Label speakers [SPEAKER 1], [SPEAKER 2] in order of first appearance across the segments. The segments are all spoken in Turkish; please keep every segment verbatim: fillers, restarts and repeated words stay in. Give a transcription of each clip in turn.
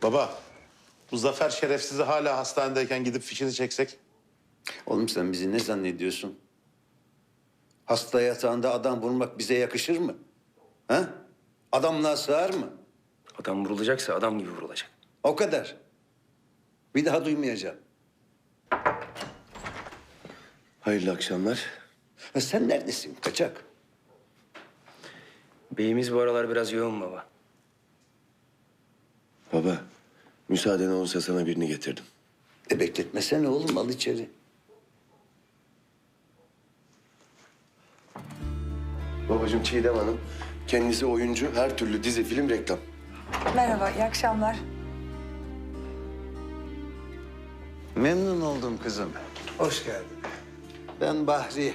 [SPEAKER 1] Baba, bu Zafer şerefsizi hala hastanedeyken gidip fişini çeksek?
[SPEAKER 2] Oğlum sen bizi ne zannediyorsun? Hasta yatağında adam vurmak bize yakışır mı? Ha? Adamlığa sığar mı?
[SPEAKER 3] Adam vurulacaksa adam gibi vurulacak.
[SPEAKER 2] O kadar. Bir daha duymayacağım.
[SPEAKER 4] Hayırlı akşamlar.
[SPEAKER 2] Ha, sen neredesin kaçak?
[SPEAKER 3] Beyimiz bu aralar biraz yoğun baba.
[SPEAKER 4] Baba, müsaaden olursa sana birini getirdim.
[SPEAKER 2] E bekletmesene oğlum, al içeri.
[SPEAKER 4] Babacığım Çiğdem Hanım, kendisi oyuncu, her türlü dizi, film, reklam.
[SPEAKER 5] Merhaba, iyi akşamlar.
[SPEAKER 2] Memnun oldum kızım. Hoş geldin. Ben Bahri.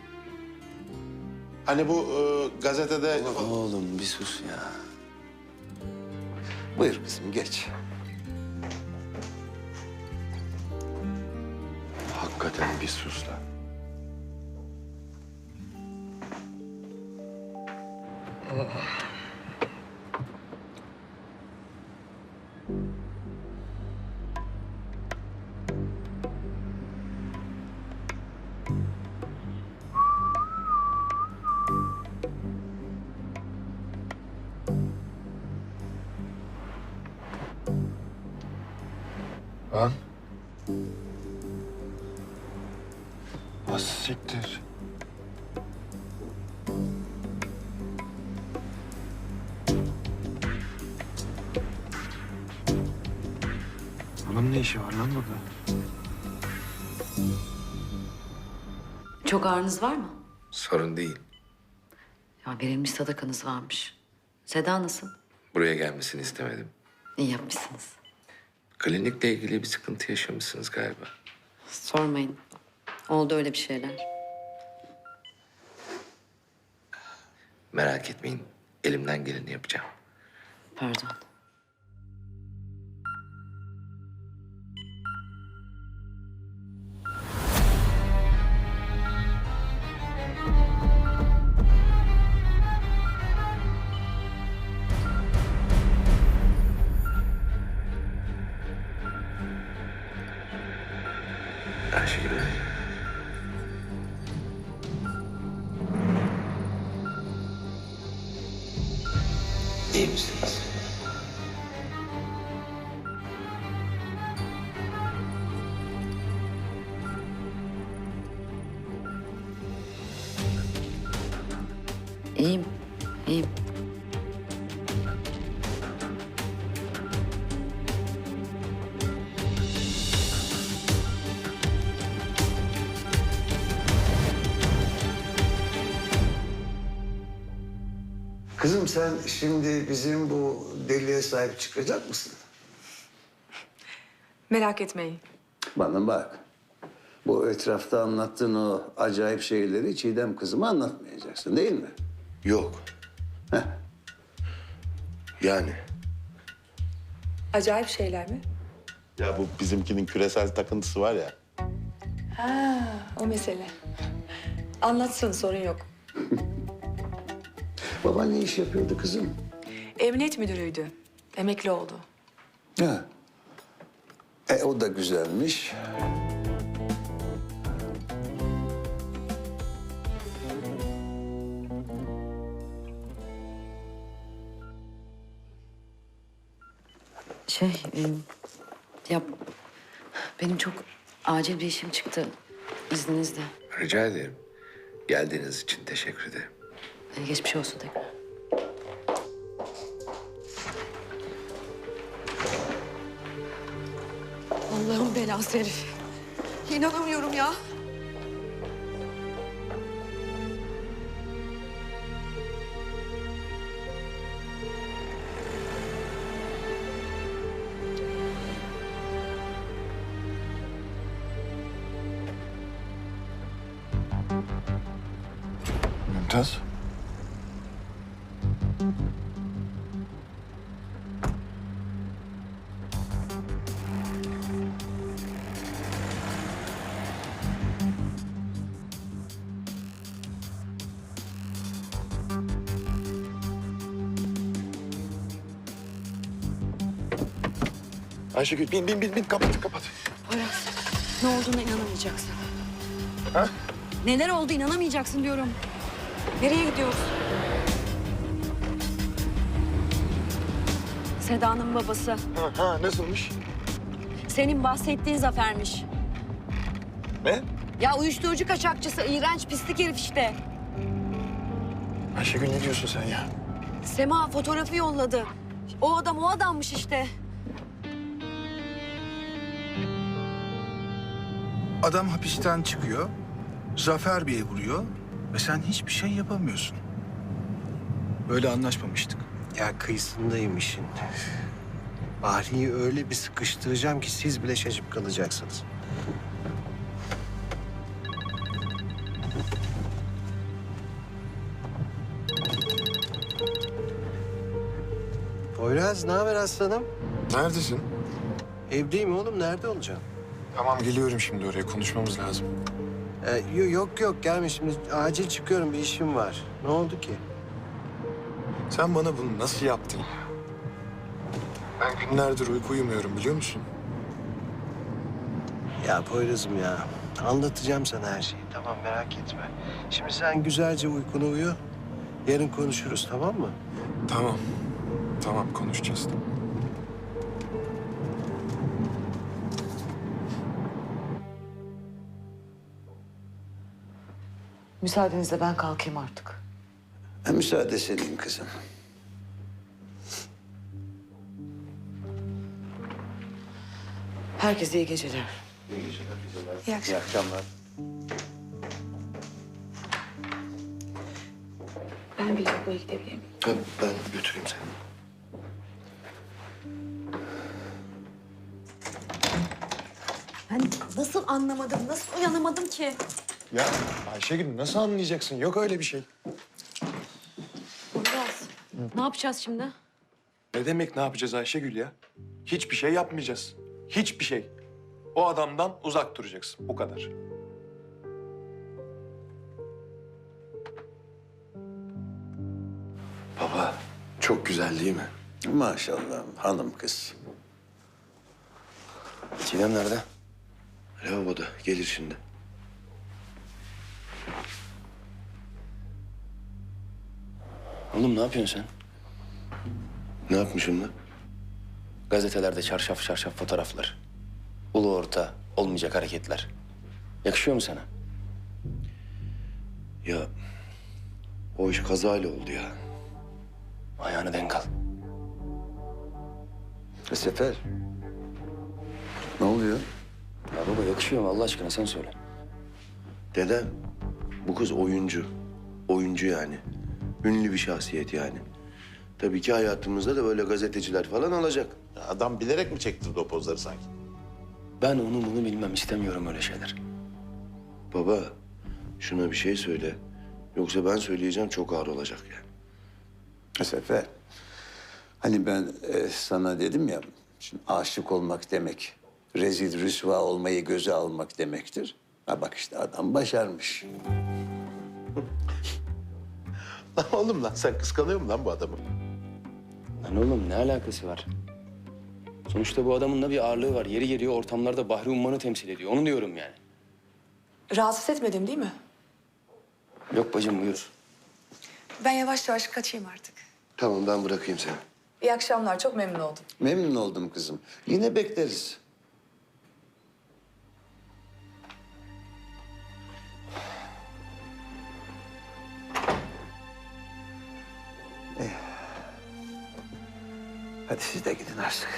[SPEAKER 1] Hani bu e, gazetede...
[SPEAKER 4] Oğlum bir sus ya.
[SPEAKER 2] Buyur kızım, geç.
[SPEAKER 4] Hakikaten bir sus lan. Lan. Az siktir.
[SPEAKER 6] Bunun ne işi var lan burada?
[SPEAKER 7] Çok ağrınız var mı?
[SPEAKER 8] Sorun değil.
[SPEAKER 7] Ya verilmiş sadakanız varmış. Seda nasıl?
[SPEAKER 8] Buraya gelmesini istemedim.
[SPEAKER 7] İyi yapmışsınız.
[SPEAKER 8] Klinikle ilgili bir sıkıntı yaşamışsınız galiba.
[SPEAKER 7] Sormayın. Oldu öyle bir şeyler.
[SPEAKER 8] Merak etmeyin. Elimden geleni yapacağım.
[SPEAKER 7] Pardon.
[SPEAKER 8] Ayşegül Hanım. İyi misiniz?
[SPEAKER 7] İyiyim. İyiyim.
[SPEAKER 2] Kızım sen şimdi bizim bu deliye sahip çıkacak mısın?
[SPEAKER 5] Merak etmeyin.
[SPEAKER 2] Bana bak. Bu etrafta anlattığın o acayip şeyleri Çiğdem kızıma anlatmayacaksın değil mi?
[SPEAKER 4] Yok.
[SPEAKER 2] Heh.
[SPEAKER 4] Yani.
[SPEAKER 5] Acayip şeyler mi?
[SPEAKER 1] Ya bu bizimkinin küresel takıntısı var ya.
[SPEAKER 5] Ha, o mesele. Anlatsın, sorun yok.
[SPEAKER 2] Baban ne iş yapıyordu kızım?
[SPEAKER 5] Emniyet müdürüydü. Emekli oldu.
[SPEAKER 2] Ha. E o da güzelmiş.
[SPEAKER 7] Şey, e, ya benim çok acil bir işim çıktı. İzninizle.
[SPEAKER 8] Rica ederim. Geldiğiniz için teşekkür ederim.
[SPEAKER 7] E, geçmiş olsun tekrar.
[SPEAKER 5] Allah'ın belası herif. İnanamıyorum ya.
[SPEAKER 6] Mümtaz. Ayşegül bin bin bin bin kapat kapat.
[SPEAKER 5] Poyraz, ne olduğuna inanamayacaksın.
[SPEAKER 6] Ha?
[SPEAKER 5] Neler oldu inanamayacaksın diyorum. Nereye gidiyoruz? Seda'nın babası.
[SPEAKER 6] Ha, ha nasılmış?
[SPEAKER 5] Senin bahsettiğin Zafer'miş.
[SPEAKER 6] Ne?
[SPEAKER 5] Ya uyuşturucu kaçakçısı, iğrenç pislik herif işte.
[SPEAKER 6] Ayşegül ne diyorsun sen ya?
[SPEAKER 5] Sema fotoğrafı yolladı. O adam o adammış işte.
[SPEAKER 9] Adam hapisten çıkıyor, Zafer Bey'e vuruyor ve sen hiçbir şey yapamıyorsun. Böyle anlaşmamıştık.
[SPEAKER 10] Ya kıyısındayım işin. Bahri'yi öyle bir sıkıştıracağım ki siz bile şaşıp kalacaksınız. Poyraz, ne haber aslanım?
[SPEAKER 6] Neredesin?
[SPEAKER 10] Evdeyim oğlum, nerede olacağım?
[SPEAKER 6] Tamam geliyorum şimdi oraya konuşmamız lazım.
[SPEAKER 10] Ee, yo- yok yok, gelme şimdi. Acil çıkıyorum, bir işim var. Ne oldu ki?
[SPEAKER 6] Sen bana bunu nasıl yaptın? Ben günlerdir uyku uyumuyorum biliyor musun?
[SPEAKER 10] Ya Poyraz'ım ya, anlatacağım sana her şeyi. Tamam, merak etme. Şimdi sen güzelce uykunu uyu. Yarın konuşuruz, tamam mı?
[SPEAKER 6] Tamam. Tamam konuşacağız. Tamam.
[SPEAKER 7] Müsaadenizle ben kalkayım artık.
[SPEAKER 2] Ha, müsaade senin kızım.
[SPEAKER 7] Herkese iyi geceler.
[SPEAKER 2] İyi akşamlar.
[SPEAKER 5] Ben bir lavaboya gidebilir miyim?
[SPEAKER 4] Ha, ben götüreyim seni.
[SPEAKER 5] Ben nasıl anlamadım, nasıl uyanamadım ki?
[SPEAKER 6] Ya Ayşegül nasıl anlayacaksın? Yok öyle bir şey.
[SPEAKER 5] Poyraz, ne yapacağız şimdi?
[SPEAKER 6] Ne demek ne yapacağız Ayşegül ya? Hiçbir şey yapmayacağız. Hiçbir şey. O adamdan uzak duracaksın. Bu kadar.
[SPEAKER 4] Baba, çok güzel değil mi?
[SPEAKER 2] Maşallah hanım kız.
[SPEAKER 4] Sinem nerede? Lavaboda, gelir şimdi.
[SPEAKER 3] Oğlum ne yapıyorsun sen?
[SPEAKER 4] Ne yapmışım lan?
[SPEAKER 3] Gazetelerde çarşaf çarşaf fotoğraflar. Ulu orta olmayacak hareketler. Yakışıyor mu sana?
[SPEAKER 4] Ya, o iş kazayla oldu ya.
[SPEAKER 3] Ayağını denk al.
[SPEAKER 2] E, Sefer. Ne oluyor?
[SPEAKER 3] Ya baba yakışıyor mu Allah aşkına sen söyle.
[SPEAKER 4] Dedem, bu kız oyuncu. Oyuncu yani. Ünlü bir şahsiyet yani. Tabii ki hayatımızda da böyle gazeteciler falan olacak.
[SPEAKER 1] Ya adam bilerek mi çektirdi o pozları sanki?
[SPEAKER 3] Ben onu bunu bilmem istemiyorum öyle şeyler.
[SPEAKER 4] Baba, şuna bir şey söyle. Yoksa ben söyleyeceğim çok ağır olacak yani.
[SPEAKER 2] E, Sefer. Hani ben e, sana dedim ya, şimdi aşık olmak demek, rezil rüsva olmayı göze almak demektir. Ha bak işte adam başarmış.
[SPEAKER 1] Lan oğlum lan sen kıskanıyor musun lan bu adamı?
[SPEAKER 3] Lan oğlum ne alakası var? Sonuçta bu adamın da bir ağırlığı var. Yeri geliyor ortamlarda Bahri Umman'ı temsil ediyor. Onu diyorum yani.
[SPEAKER 5] Rahatsız etmedim değil mi?
[SPEAKER 3] Yok bacım buyur.
[SPEAKER 5] Ben yavaş yavaş kaçayım artık.
[SPEAKER 4] Tamam, ben bırakayım seni.
[SPEAKER 5] İyi akşamlar, çok memnun oldum.
[SPEAKER 2] Memnun oldum kızım. Yine bekleriz. Eh. Hadi siz de gidin artık.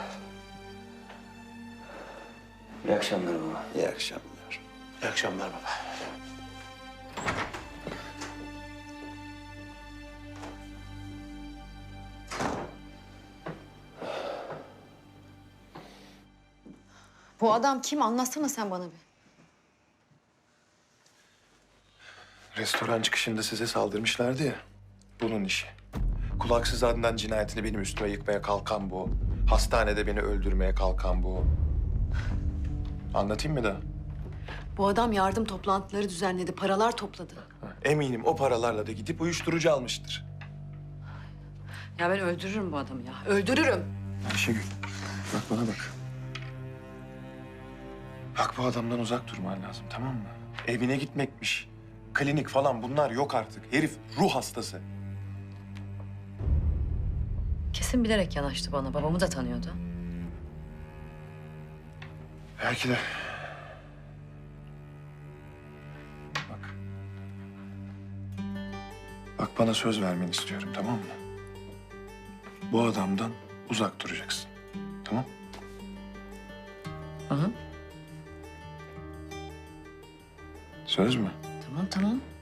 [SPEAKER 3] İyi akşamlar baba.
[SPEAKER 2] İyi akşamlar.
[SPEAKER 1] İyi akşamlar baba.
[SPEAKER 5] Bu adam kim? Anlatsana sen bana bir.
[SPEAKER 6] Restoran çıkışında size saldırmışlardı ya. Bunun işi. Kulaksız Adnan cinayetini benim üstüme yıkmaya kalkan bu. Hastanede beni öldürmeye kalkan bu. Anlatayım mı da?
[SPEAKER 5] Bu adam yardım toplantıları düzenledi, paralar topladı.
[SPEAKER 6] Eminim o paralarla da gidip uyuşturucu almıştır.
[SPEAKER 7] Ya ben öldürürüm bu adamı ya.
[SPEAKER 5] Öldürürüm.
[SPEAKER 6] Ayşegül, bak bana bak. Bak bu adamdan uzak durman lazım, tamam mı? Evine gitmekmiş, klinik falan bunlar yok artık. Herif ruh hastası.
[SPEAKER 7] Kesin bilerek yanaştı bana. Babamı da tanıyordu.
[SPEAKER 6] Belki de. Bak. Bak bana söz vermeni istiyorum, tamam mı? Bu adamdan uzak duracaksın. Tamam?
[SPEAKER 7] Hı hı.
[SPEAKER 6] Söz mü?
[SPEAKER 7] Tamam tamam.